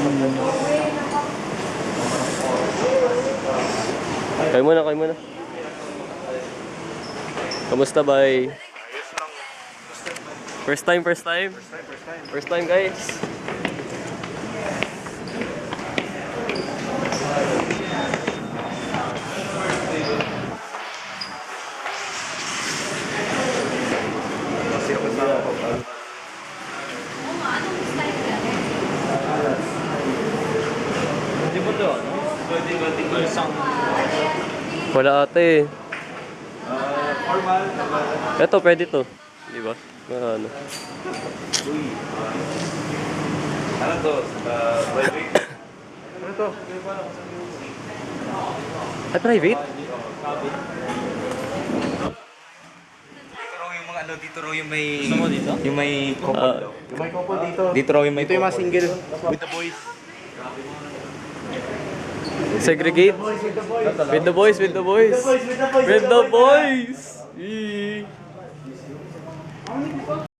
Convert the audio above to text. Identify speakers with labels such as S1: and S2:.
S1: Kayo muna, kayo muna. Kamusta, bay? First time, first time? First time, guys. Wala ate.
S2: Formal.
S1: Ito, pwede to. Di ba? Ano?
S2: Uy. Ano to? Private? Ano to?
S1: Ay, private?
S2: Dito raw yung mga ano, dito raw yung may...
S3: Gusto mo dito?
S2: Yung may couple daw.
S4: Yung may couple dito.
S2: Dito raw yung may
S4: Ito yung mga
S2: couple.
S4: single with the boys.
S1: Segregate? With the boys, with the boys. With the boys! Yee.